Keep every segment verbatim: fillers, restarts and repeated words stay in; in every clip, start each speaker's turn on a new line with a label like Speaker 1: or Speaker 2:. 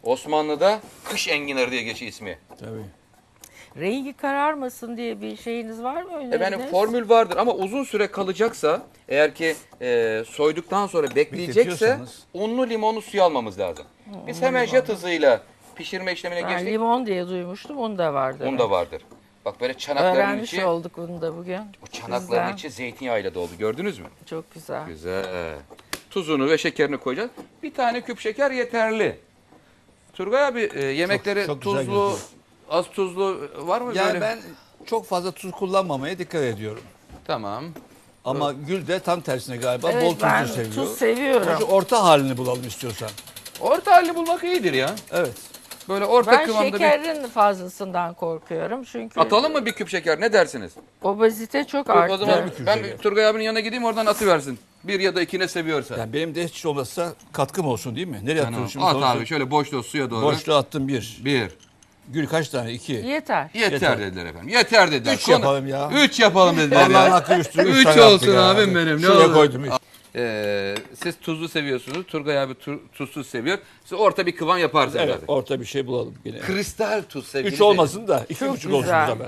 Speaker 1: Osmanlı'da kış enginarı diye geçiyor ismi.
Speaker 2: Tabii.
Speaker 3: Rengi kararmasın diye bir şeyiniz var mı öneriniz?
Speaker 1: Efendim formül vardır ama uzun süre kalacaksa eğer ki e, soyduktan sonra bekleyecekse
Speaker 2: Bekletiyorsanız.
Speaker 1: unlu limonlu suyu almamız lazım. Biz hemen jet hızıyla pişirme işlemine
Speaker 3: Ben
Speaker 1: geçtik.
Speaker 3: limon diye duymuştum, un da vardı.
Speaker 1: Un da vardır. Bak böyle çanakların
Speaker 3: Öğrenmiş
Speaker 1: içi,
Speaker 3: olduk bunu da bugün.
Speaker 1: bu çanakların
Speaker 3: Sizden.
Speaker 1: içi zeytinyağıyla doldu. Gördünüz mü?
Speaker 3: Çok güzel.
Speaker 1: Güzel. Tuzunu ve şekerini koyacağız. Bir tane küp şeker yeterli. Turgay abi e, yemekleri
Speaker 2: çok güzel
Speaker 1: tuzlu,
Speaker 2: gözüküyor.
Speaker 1: az tuzlu var mı
Speaker 2: Yani
Speaker 1: böyle?
Speaker 2: ben çok fazla tuz kullanmamaya dikkat ediyorum.
Speaker 1: Tamam.
Speaker 2: Ama Gül de tam tersine galiba
Speaker 3: Evet,
Speaker 2: bol tuzlu
Speaker 3: ben
Speaker 2: seviyor.
Speaker 3: tuz seviyorum.
Speaker 2: Şu orta halini bulalım istiyorsan.
Speaker 1: Orta halini bulmak iyidir ya.
Speaker 2: Evet.
Speaker 1: Böyle orta
Speaker 3: Ben
Speaker 1: kıvamda bir...
Speaker 3: şekerin fazlasından korkuyorum çünkü
Speaker 1: Atalım mı bir küp şeker? Ne dersiniz?
Speaker 3: obezite çok
Speaker 1: O
Speaker 3: arttı.
Speaker 1: zaman
Speaker 2: bir küp
Speaker 1: ben
Speaker 2: şeker.
Speaker 1: Turgay abinin yanına gideyim oradan atıversin. Bir ya da iki ne seviyorsa.
Speaker 2: Yani benim de hiç olmazsa katkım olsun değil mi? Nereye
Speaker 1: Tamam.
Speaker 2: atıyorum şimdi?
Speaker 1: At
Speaker 2: Sonuçta
Speaker 1: abi şöyle boşluğa suya doğru.
Speaker 2: boşluğa attım bir.
Speaker 1: Bir.
Speaker 2: Gül kaç tane? İki.
Speaker 3: Yeter.
Speaker 1: Yeter,
Speaker 2: Yeter.
Speaker 1: dediler efendim. Yeter dediler.
Speaker 2: Üç yapalım ya.
Speaker 1: Üç yapalım dediler
Speaker 2: Allah'ın
Speaker 1: ya.
Speaker 2: hakkı üçtür.
Speaker 1: Üç
Speaker 2: tane
Speaker 1: olsun
Speaker 2: yaptık ya.
Speaker 1: abim benim, ne
Speaker 2: Şuraya
Speaker 1: olur.
Speaker 2: koydum. Üç.
Speaker 1: Ee, siz tuzlu seviyorsunuz. Turgay abi tu- tuzsuz seviyor. Siz orta bir kıvam yaparsınız
Speaker 2: Evet,
Speaker 1: zaten.
Speaker 2: orta bir şey bulalım yine.
Speaker 1: Kristal tuz sevgili.
Speaker 2: Üç olmasın da iki
Speaker 3: Çok
Speaker 2: buçuk olsun
Speaker 3: güzel.
Speaker 2: bu zaman.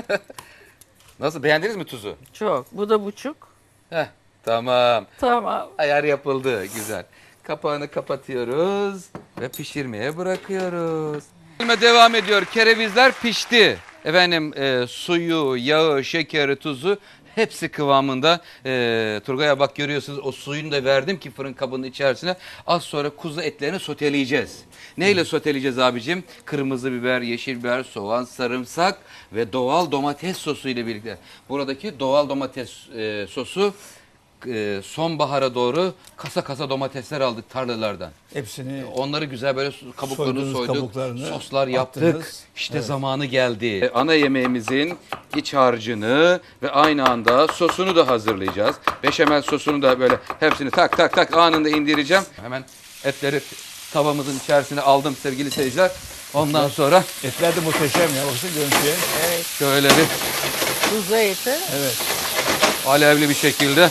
Speaker 1: Nasıl, beğendiniz mi tuzu?
Speaker 3: Çok. Bu da buçuk.
Speaker 1: Heh, tamam.
Speaker 3: Tamam.
Speaker 1: Ayar yapıldı. Güzel. Kapağını kapatıyoruz ve pişirmeye bırakıyoruz. Pişirme devam ediyor. Kerevizler pişti. Efendim e, suyu, yağı, şekeri, tuzu hepsi kıvamında. E, Turgay'a bak görüyorsunuz o suyunu da verdim ki fırın kabının içerisine. Az sonra kuzu etlerini soteleyeceğiz. Neyle soteleyeceğiz abicim? Kırmızı biber, yeşil biber, soğan, sarımsak ve doğal domates sosu ile birlikte. Buradaki doğal domates e, sosu e, sonbahara doğru kasa kasa domatesler aldık tarlalardan.
Speaker 2: Hepsini
Speaker 1: Onları güzel böyle kabuklarını
Speaker 2: Soydunuz
Speaker 1: soyduk,
Speaker 2: kabuklarını,
Speaker 1: soslar yaptık.
Speaker 2: attınız.
Speaker 1: İşte
Speaker 2: Evet.
Speaker 1: zamanı geldi. E, Ana yemeğimizin iç harcını ve aynı anda sosunu da hazırlayacağız. Beşamel sosunu da böyle hepsini tak tak tak anında indireceğim. Hemen etleri tavamızın içerisine aldım sevgili seyirciler. Ondan sonra
Speaker 2: etler de muhteşem ya. Baksana görüntüye.
Speaker 3: Evet.
Speaker 1: şöyle bir
Speaker 3: Tuzlu eti.
Speaker 2: Evet.
Speaker 1: alevli bir şekilde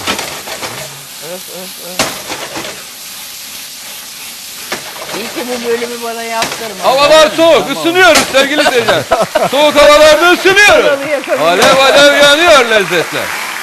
Speaker 3: Öf, öf, öf. İyi ki bu bölümü bana yaptırma.
Speaker 1: havalar soğuk, ısınıyoruz sevgili seyirciler. Soğuk havalarda ısınıyoruz.
Speaker 3: Kralı yakabilirim.
Speaker 1: Alev alev yanıyor lezzetler.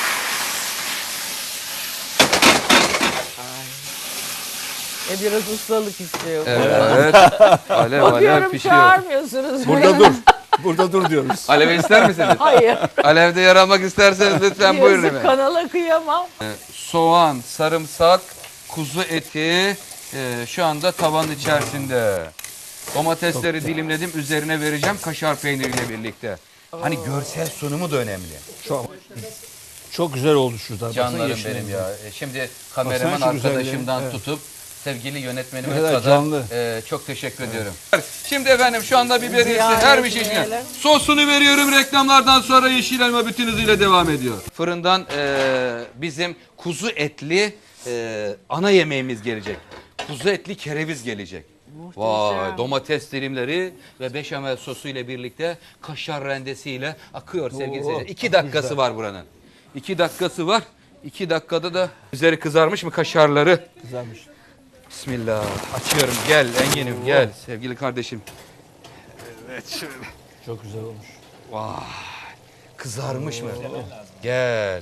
Speaker 3: E biraz ustalık istiyor.
Speaker 1: Evet, evet. Alev alev
Speaker 3: Bakıyorum
Speaker 1: pişiyor.
Speaker 3: çağırmıyorsunuz.
Speaker 2: Burada dur. Burada dur diyoruz.
Speaker 1: Alev ister misiniz?
Speaker 3: Hayır.
Speaker 1: Alevde yer almak isterseniz lütfen buyurun
Speaker 3: Yazık,
Speaker 1: efendim.
Speaker 3: kanala kıyamam.
Speaker 1: Soğan, sarımsak, kuzu eti e, şu anda tavanın içerisinde. Domatesleri dilimledim, üzerine vereceğim kaşar peyniriyle birlikte. Hani görsel sunumu da önemli.
Speaker 2: Çok, çok güzel oldu şurada. Baksana
Speaker 1: Canlarım
Speaker 2: yeşil
Speaker 1: benim
Speaker 2: rengi.
Speaker 1: ya. E, Şimdi kameraman
Speaker 2: Baksana şu güzelliğe,
Speaker 1: arkadaşımdan
Speaker 2: evet.
Speaker 1: tutup sevgili yönetmenime
Speaker 2: Ne kadar
Speaker 1: kadar
Speaker 2: canlı.
Speaker 1: e, çok teşekkür ediyorum. Şimdi efendim şu anda biberiyesi
Speaker 3: Ziyaret
Speaker 1: her bir şeyine.
Speaker 3: etmeyelim.
Speaker 1: Sosunu veriyorum, reklamlardan sonra yeşil elma bütün hızıyla devam ediyor. Fırından e, bizim kuzu etli e, ana yemeğimiz gelecek. Kuzu etli kereviz gelecek.
Speaker 3: Muhteşem.
Speaker 1: Vay, domates dilimleri ve beşamel sosu ile birlikte kaşar rendesiyle akıyor sevgili
Speaker 2: Oo,
Speaker 1: seyirciler. İki
Speaker 2: çok
Speaker 1: dakikası
Speaker 2: güzel.
Speaker 1: var buranın. İki dakikası var. İki dakikada da üzeri kızarmış mı kaşarları?
Speaker 2: Güzelmiş.
Speaker 1: Bismillah. Açıyorum. Gel Engin'im gel sevgili kardeşim. Evet şöyle.
Speaker 2: Çok güzel olmuş.
Speaker 1: Vay. Kızarmış mı? Gel.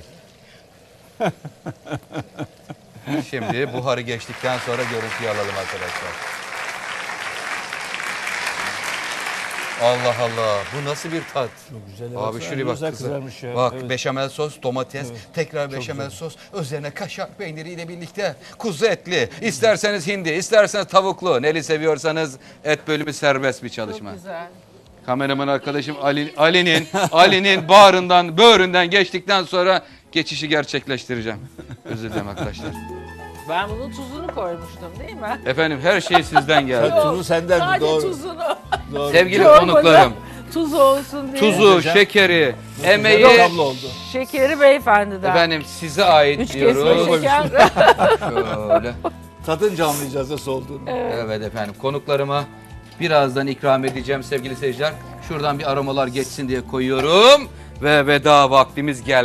Speaker 1: Şimdi buharı geçtikten sonra görüntüyü alalım arkadaşlar. Allah Allah. Bu nasıl bir tat?
Speaker 2: Çok güzel.
Speaker 1: Abi
Speaker 2: Baksana,
Speaker 1: şuraya
Speaker 2: ne
Speaker 1: bak
Speaker 2: güzel
Speaker 1: kızım.
Speaker 2: kızarmış ya.
Speaker 1: Bak
Speaker 2: Evet.
Speaker 1: beşamel sos, domates, tekrar beşamel sos, üzerine kaşar peyniriyle birlikte kuzu etli. İsterseniz hindi, isterseniz tavuklu. Neli seviyorsanız et bölümü serbest bir çalışma.
Speaker 3: Çok güzel.
Speaker 1: Kameraman arkadaşım Ali, Ali'nin Ali'nin bağrından, böğründen geçtikten sonra geçişi gerçekleştireceğim. Özür dilerim arkadaşlar.
Speaker 3: Ben bunun tuzunu koymuştum değil mi?
Speaker 1: Efendim her şey sizden geldi.
Speaker 2: Sen tuzu senden mi?
Speaker 3: Sadece
Speaker 2: Doğru.
Speaker 3: tuzunu.
Speaker 2: Doğru.
Speaker 1: Sevgili
Speaker 3: Çorbada
Speaker 1: konuklarım,
Speaker 3: Tuz olsun diye.
Speaker 1: tuzu,
Speaker 2: Muhteşem.
Speaker 1: şekeri, emeği
Speaker 2: Tablo oldu.
Speaker 3: Şekeri beyefendiden.
Speaker 1: efendim size ait
Speaker 3: Üç kesme
Speaker 1: diyoruz.
Speaker 3: şeker.
Speaker 1: Şöyle.
Speaker 2: Tadınca anlayacağız nasıl olduğunu.
Speaker 1: Evet efendim konuklarıma birazdan ikram edeceğim sevgili seyirciler. Şuradan bir aromalar geçsin diye koyuyorum ve veda vaktimiz geldi.